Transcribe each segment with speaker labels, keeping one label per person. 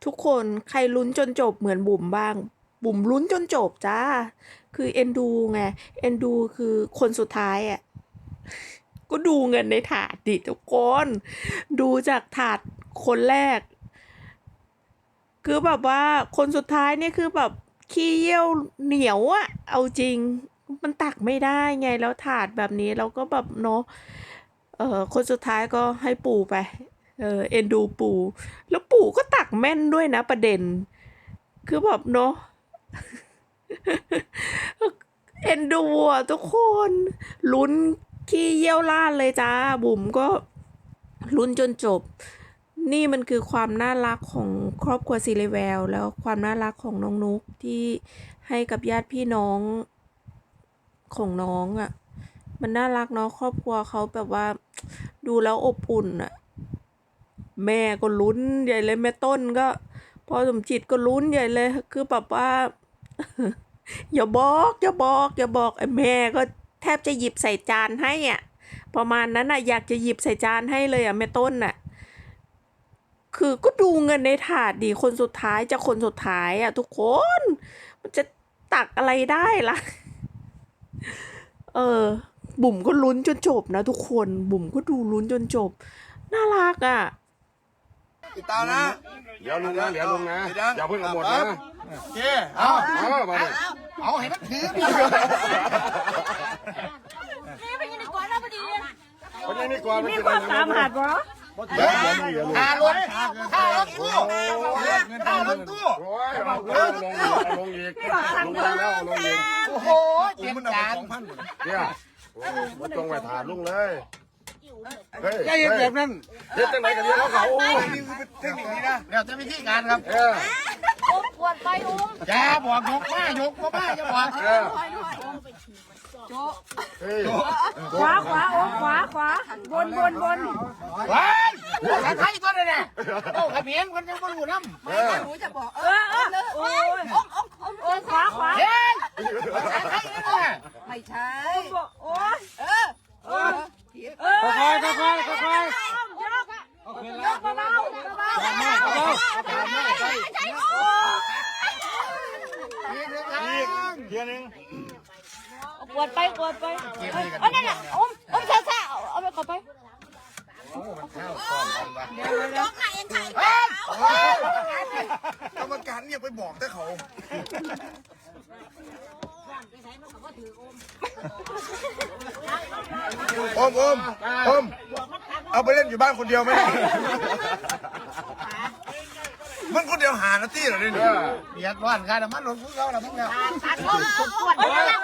Speaker 1: ทุกคนใครลุ้นจนจบเหมือนบุ๋มบ้าง บุ๋มลุ้นจนจบจ้า คือเอ็นดูไง เอ็นดูคือคนสุดท้ายอ่ะ ก็ดูเงินในถาดดิทุกคน ดูจากถาดคนแรก คือแบบว่าคนสุดท้ายนี่คือแบบขี้เยี่ยวเหนียวอะเอาจริง มันตักไม่ได้ไงแล้วถาดแบบนี้เราก็แบบเนาะคนสุดท้ายก็ให้ปู่ไปเอ็นดูปู่แล้วปู่ก็ตักแม่นด้วยนะประเด็น คือแบบเนาะ เอ็นดูอ่ะทุกคนลุ้นขี้เยี่ยวราดเลยจ้าบุ๋มก็ลุ้นจนจบ นี่มันคือความน่ารักของครอบครัวซีเรแวลแล้วความน่ารักของน้องนุ๊กที่ให้กับญาติพี่น้องของน้องอ่ะ มันน่ารักเนาะครอบครัวเขาแบบว่าดูแล้วอบอุ่นอ่ะ แม่ก็ลุ้นใหญ่เลยแม่ต้นก็พ่อสมจิตก็ลุ้นใหญ่เลยคือแบบว่า อย่าบอกอย่าบอกอย่าบอกไอ้แม่ก็แทบจะหยิบใส่จานให้อ่ะประมาณนั้นอ่ะอยากจะหยิบใส่จานให้เลยอ่ะแม่ต้นอ่ะคือก็ดูเงินในถาดดีคนสุดท้ายจะคนสุดท้ายอ่ะทุกคนมันจะตักอะไรได้ล่ะ บุ๋มก็ลุ้นจนจบนะทุกคนบุ๋มก็ดูลุ้นจนจบน่ารักอ่ะ
Speaker 2: ติดตามนะ
Speaker 3: เดี๋ยวลุงนะอย่าเพิ่งเอาหมดนะ
Speaker 2: โอเคเอา
Speaker 3: มาดิ
Speaker 2: เอาให้มันถือ
Speaker 4: นี่ไปกินดีกว่าแล้วพอดี
Speaker 3: คนนี้นี่ก่อน
Speaker 1: มีความสามารถวะ
Speaker 2: ค่ารถค่ารถตู้ค่ารถตู้
Speaker 3: โอ้ยลงอีกลงแล้วลงอีก
Speaker 2: โอ้โหเจ็บจาน
Speaker 3: เนี่ยมาตรงไปถามลุงเลยเฮ้ย
Speaker 2: อย่าเห็นแบบนั้น
Speaker 3: เฮ็ดจังไหนกันเนี่ยเขา
Speaker 2: นี่คือเทคนิคนี้นะเดี๋ยวจะวิธีการครับ
Speaker 4: อุ้มปวดไปอุ้ม
Speaker 2: อย่าบอกยกมายกมาอย่าบอก
Speaker 3: เฮ้ย
Speaker 1: ขวาขวาโอ้ขวาขวาบน
Speaker 2: ว้ายใครตัวเนี่ยโอ้ขมิ้นคนยังไม่รู้น้ำ
Speaker 4: หนูจะบอก
Speaker 1: โอ้ยขวา
Speaker 2: เฮ้ยใครเนี่ย
Speaker 4: ไม่ใช่
Speaker 1: โอ้ย
Speaker 2: ค่อยๆค่อยๆค่อย
Speaker 1: ยกเบา
Speaker 3: เทียนึง
Speaker 4: ปวดไปเอานั่นแหละอุ้มซ่าเอาไปขอไปยกไหนยังไง
Speaker 2: กรรมการเนี่ยไปบอกแต่เขาอมเอาไปเล่นอยู่บ้านคนเดียวไหมมันคนเดียวหานาทีเหรอเนี่ยเบียดร้อนกันมันหล่นพุ่งเขาแล้วพุ่งแล้ว
Speaker 4: ปวดไปแล้ว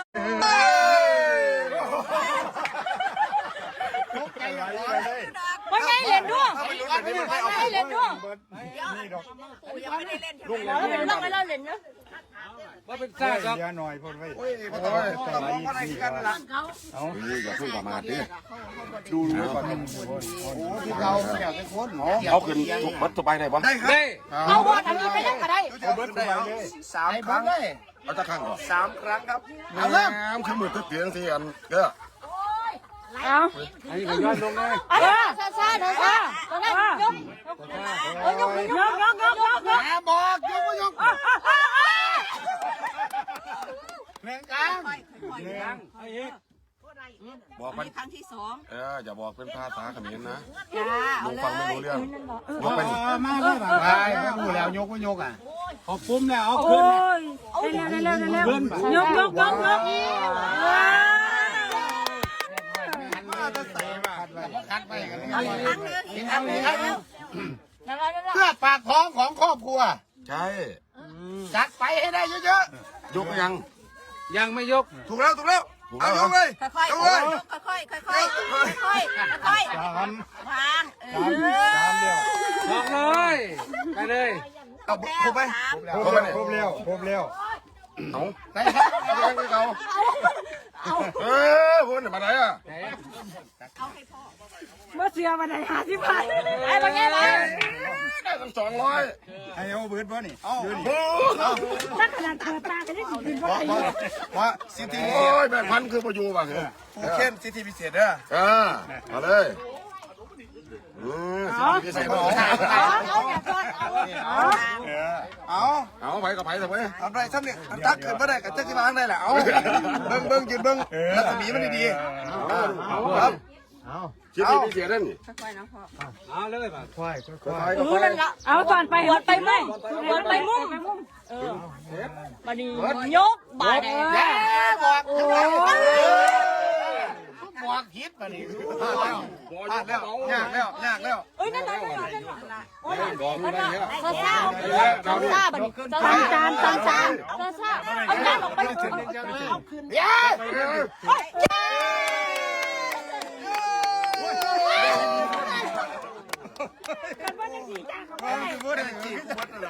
Speaker 1: ไม่ใช่เรียนด้วย
Speaker 4: ให้เล่นด้วยยังไม่ได้เล่นเราเป็นต้องให้เราเล่นเนาะ
Speaker 5: ว่าเป็นซ่าครับเยอะหน่อยพอไว้
Speaker 2: โอ้ยต้องมองอะไรกันล่ะ
Speaker 3: อย่าเพิ่งประมาทดิดูก่อน
Speaker 2: ที่เราอยากเป็นคน
Speaker 3: เอาขึ้นทุกมัดสบายได้ปะ
Speaker 2: ได้ครับ
Speaker 4: เอาบอลทำยังไงยังก็ได้
Speaker 2: เอาเบิร์ดได้3 ครั้ง
Speaker 3: เอาจะข้างก่อน
Speaker 2: 3 ครั้งครับ
Speaker 3: เอาเริ่มขึ้นมือตึ๊ดเตียงสิอันเด้อ
Speaker 1: เอา
Speaker 5: อันนี้ก็ย้อนลงเลย
Speaker 4: ซ่าตอนนั้นยก
Speaker 2: บอกยกไม่ยกเรื่องกลาง
Speaker 3: บอกมัน
Speaker 4: ครั้งที่2
Speaker 3: อย่าบอกเป็นภาษาเขมรนะ
Speaker 4: จ้า
Speaker 3: ลุงฟังไม่รู้เรื่องยกไปดิ
Speaker 2: มาเลยไม่รู้แล้วยกไม่ยกอ่ะ
Speaker 5: ขอบปุ้มแล้วเอา
Speaker 1: โอ้
Speaker 5: ขึ้น
Speaker 1: ยเร็วยก
Speaker 2: คัดไปกันอีกครั้งนึงเพื่อปากท้องของครอบครัว
Speaker 3: ใช่
Speaker 2: จัดไปให้ได้เยอะ
Speaker 3: ยกยัง
Speaker 5: ยังไม่ยก
Speaker 2: ๆถูกแล้วเอายกเลย
Speaker 4: ค่อย
Speaker 2: ยกเลย
Speaker 4: วาง
Speaker 5: บอกเลยไปเลย
Speaker 2: เอาครบไหม
Speaker 3: ครบแล้วครบแล้วเอาไหนครับยังไม่เอาพูดมาไหนอ่ะ
Speaker 1: เมื่อเสียวันไหน50 บาท
Speaker 4: ไอ้บางแง่เลย
Speaker 3: ได้ตั้ง200
Speaker 2: ให้เอาเบิร์ดบ่นี่เอา
Speaker 1: ถ้าขนาดเปิดตากันได้ถึงว่า
Speaker 2: ว่าสิทธิ
Speaker 3: โอ้ยแม่พันคือประยูป่ะคือ
Speaker 2: ผู้เข้มสิทธิพิเศษเด้อ
Speaker 3: มาเลยสิพิเศษ
Speaker 4: เอาอย่าก่อนเอา
Speaker 3: ไหวกับไผ่ทำไม
Speaker 2: ทำไรซ้ำเนี่ยตักขึ้นมาได้กับเจ้าที่มาได้แหละเอาเบิ้งยืนเบิ้งรัศมีมันดีๆครับ
Speaker 3: เสียดีไม่เสียนั่นนี่
Speaker 5: เอาเลยป่ะ
Speaker 4: เอาก่อนไปหัวไปมุ่งหัวไปมุ่งบัดนี้ยกบาด
Speaker 2: บอกคิดมาดิพลาดแล้วยากแล้ว
Speaker 4: เอ้ยนั่นโอ้ยซาซาบัดนี้จานซาเอาจานออกไปเอาคืน
Speaker 2: พูดอะไรจีบพูดอะไร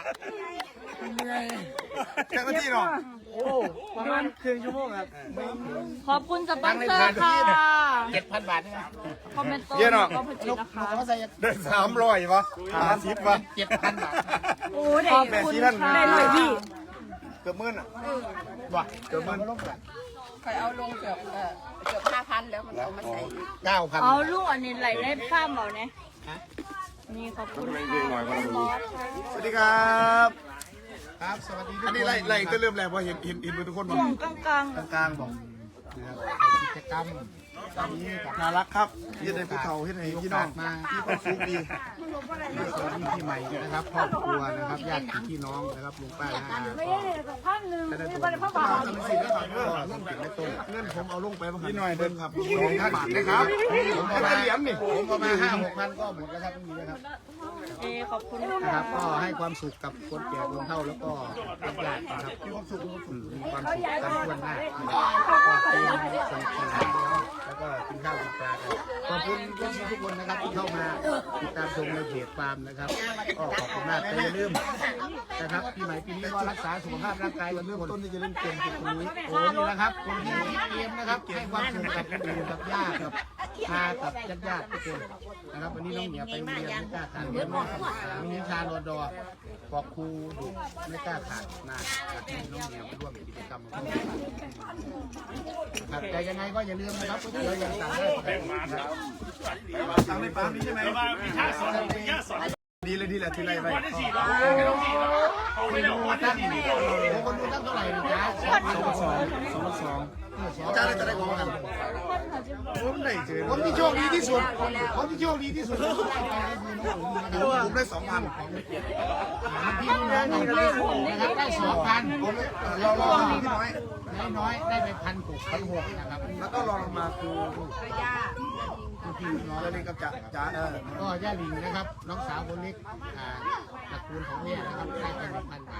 Speaker 2: แค่นาทีเนาะ
Speaker 5: ประมาณครึ่งชั่วโมงครับ
Speaker 4: ขอบคุณสปอนเซอร์ค่ะ
Speaker 2: 7,000 บาท
Speaker 4: คอมเมนต์โต้ก็ผลิตนะคะ
Speaker 2: ได้300วะ50วะ7,000 บาท
Speaker 4: โอ้ได้คุณได้เลยพี่
Speaker 2: เกือบหมื่นอ่ะว่ะเกือบหมื่น
Speaker 6: เคยเอาลงเกือบ5,000 แล้วมันเอามาใส่
Speaker 2: 9,000
Speaker 4: เอาลูกอันนี้ไหลได้ข้ามเปล่าเนี่ยนี่ขอบคุณค่ะบอส
Speaker 2: สวัสดีครับครับสวัสดีอันนี้ไล่จะเริ่มแล้วพอเห็นทุกคนบอก
Speaker 4: ช่วงกลาง
Speaker 2: กลางบอกกิจกรรมนี้น่ารักครับที่ได้ผู้เฒ่าที่ไหนพี่น้องมาที่ครอบครัวดีสวัสดีพี่ใหม่นะครับครอบครัวนะครับญาติพี่น้องนะครับลุงป้าน้าอา
Speaker 4: ไม่ได้เลยพันหนึ่งไม่ได้พันบาท
Speaker 2: เงินผมเอาลงไปบ้างพี่หน่อยเดินครับ2,000 บาทนะครับผมเอามาเหรียญนี่ผมเอามา5-6,000ก็หมดแล้วครับไม่มีแล้วครับ
Speaker 4: ขอบคุณ
Speaker 2: นะครับก็ให้ความสุขกับคนแก่คนเฒ่าแล้วก็ญาตินะครับมีความสุขกันทั่วหน้าก็เต็มสนุกสนานแล้วก็กินข้าวกินปลากันขอบคุณทุกคนนะครับที่เข้ามาติดตามชมในเพจฟาร์มนะครับก็ขอบคุณมากแต่อย่าลืมนะครับปีใหม่ปีนี้ก็รักษาสุขภาพร่างกายกันเรื่องต้นที่จะเล่นเกมคือคนนี้โอ้นี่นะครับคนที่เกมนะครับให้ความสุขกับคนอื่นกับญาติกับกับญาติทุกคนนะครับวันนี้น้องเหนียวไปโรงเรียนไม่กล้าขาดเรียนน้องมีนิชาโนดอบอกครูดุไม่กล้าขาดมาให้น้องเหนียวไปร่วมกิจกรรมครับแต่ยังไงก็อย่าลืมนะครับเรายังสั่งได้สั่งในปั๊มนี้ใช่ไหมดีเลยทีไรไปคนดูตั้งเท่าไหร่นะจ๊ะ2,200จ้าจะได้ของกันผมที่โชคดีที่สุดผมได้ 2,000พี่น้องนะครับได้ 2,000ผมเราพี่น้อยได้ไป1,600นะครับแล้วก็รอลงมาคือพี่น้องแล้วนี่ก็จ๋าก็ย่าลิงนะครับน้องสาวคนเล็กตระกูลของแม่นะครับได้ไป1,000